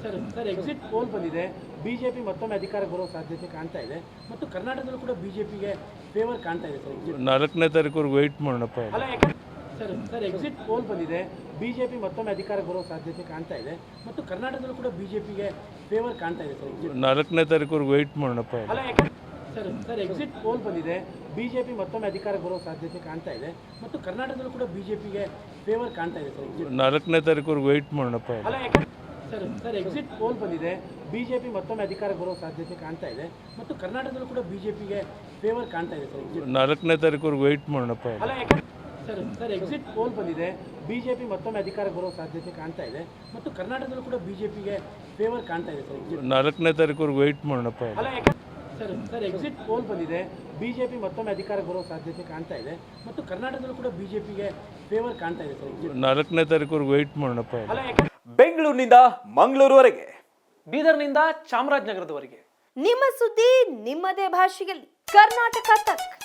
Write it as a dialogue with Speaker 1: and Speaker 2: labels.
Speaker 1: Sir exit poll ಬಂದಿದೆ. BJP ಮತ್ತೊಮ್ಮೆ ಅಧಿಕಾರ ಬರೋ ಸಾಧ್ಯತೆ ಕಾಣ್ತಾ ಇದೆ ಮತ್ತು ಕರ್ನಾಟಕದಲ್ಲೂ ಕೂಡ ಬಿಜೆಪಿಗೆ ಫೇವರ್ ಕಾಣ್ತಾ ಇದೆ ಸರ್.
Speaker 2: 4ನೇ ತಾರೀಕುವರೆಗೆ ವೆಯ್ಟ್ ಮಾಡೋಣಪ್ಪ.
Speaker 1: ಅಲ್ಲ ಸರ್ ಎಕ್ಸಿಟ್ ಪೋಲ್ ಬಂದಿದೆ. ಬಿಜೆಪಿ ಮತ್ತೊಮ್ಮೆ ಅಧಿಕಾರ ಬರೋ ಸಾಧ್ಯತೆ ಕಾಣ್ತಾ ಇದೆ ಮತ್ತು ಕರ್ನಾಟಕದಲ್ಲೂ ಕೂಡ ಬಿಜೆಪಿಗೆ ಫೇವರ್ ಕಾಣ್ತಾ ಇದೆ ಸರ್.
Speaker 2: 4ನೇ ತಾರೀಕುವರೆಗೆ ವೆಯ್ಟ್ ಮಾಡೋಣಪ್ಪ.
Speaker 1: ಅಲ್ಲ ಸರ್ ಎಕ್ಸಿಟ್ ಪೋಲ್ ಬಂದಿದೆ. ಬಿಜೆಪಿ ಮತ್ತೊಮ್ಮೆ ಅಧಿಕಾರ ಬರೋ ಸಾಧ್ಯತೆ ಕಾಣ್ತಾ ಇದೆ ಮತ್ತು ಕರ್ನಾಟಕದಲ್ಲೂ ಕೂಡ ಬಿಜೆಪಿಗೆ ಫೇವರ್ ಕಾಣ್ತಾ ಇದೆ ಸರ್.
Speaker 2: 4ನೇ ತಾರೀಕುವರೆಗೆ ವೆಯ್ಟ್ ಮಾಡೋಣಪ್ಪ.
Speaker 1: ಅಲ್ಲ ಸರ್ ಎಕ್ಸಿಟ್ ಪೋಲ್ ಬಂದಿದೆ. ಬಿಜೆಪಿ ಮತ್ತೊಮ್ಮೆ ಅಧಿಕಾರ ಬರೋ ಸಾಧ್ಯತೆ ಕಾಣ್ತಾ ಇದೆ ಮತ್ತು ಕರ್ನಾಟಕದಲ್ಲೂ ಕೂಡ ಬಿಜೆಪಿಗೆ ಫೇವರ್ ಕಾಣ್ತಾ ಇದೆ ಸರ್.
Speaker 2: 4ನೇ ತಾರೀಕುವರೆಗೆ ವೆಯ್ಟ್ ಮಾಡೋಣಪ್ಪ.
Speaker 1: ಅಲ್ಲ ಸರ್ ಎಕ್ಸಿಟ್ ಪೋಲ್ ಬಂದಿದೆ. ಬಿಜೆಪಿ ಮತ್ತೊಮ್ಮೆ ಅಧಿಕಾರ ಬರೋ ಸಾಧ್ಯತೆ ಕಾಣ್ತಾ ಇದೆ ಮತ್ತು ಕರ್ನಾಟಕದಲ್ಲೂ ಕೂಡ ಬಿಜೆಪಿಗೆ ಫೇವರ್ ಕಾಣ್ತಾ ಇದೆ ಸರ್.
Speaker 2: 4ನೇ ತಾರೀಕುವರೆಗೆ ವೆಯ್ಟ್ ಮಾಡೋಣಪ್ಪ.
Speaker 1: ಅಲ್ಲ ಸರ್ ಎಕ್ಸಿಟ್ ಪೋಲ್ ಬಂದಿದೆ. ಬಿಜೆಪಿ ಮತ್ತೊಮ್ಮೆ ಅಧಿಕಾರ ಬರೋ ಸಾಧ್ಯತೆ ಕಾಣ್ತಾ ಇದೆ ಮತ್ತು ಕರ್ನಾಟಕದಲ್ಲೂ ಕೂಡ ಬಿಜೆಪಿಗೆ ಫೇವರ್ ಕಾಣ್ತಾ ಇದೆ ಸರ್.
Speaker 2: 4ನೇ ತಾರೀಕುವರೆಗೆ ವೆಯ್ಟ್ ಮಾಡೋಣಪ್ಪ.
Speaker 1: ಅಲ್ಲ
Speaker 3: ಬೆಂಗಳೂರಿನಿಂದ ಮಂಗಳೂರುವರೆಗೆ,
Speaker 4: ಬೀದರ್ನಿಂದ ಚಾಮರಾಜನಗರದವರೆಗೆ
Speaker 5: ನಿಮ್ಮ ಸುದ್ದಿ ನಿಮ್ಮದೇ ಭಾಷೆಯಲ್ಲಿ ಕರ್ನಾಟಕ ತಕ್.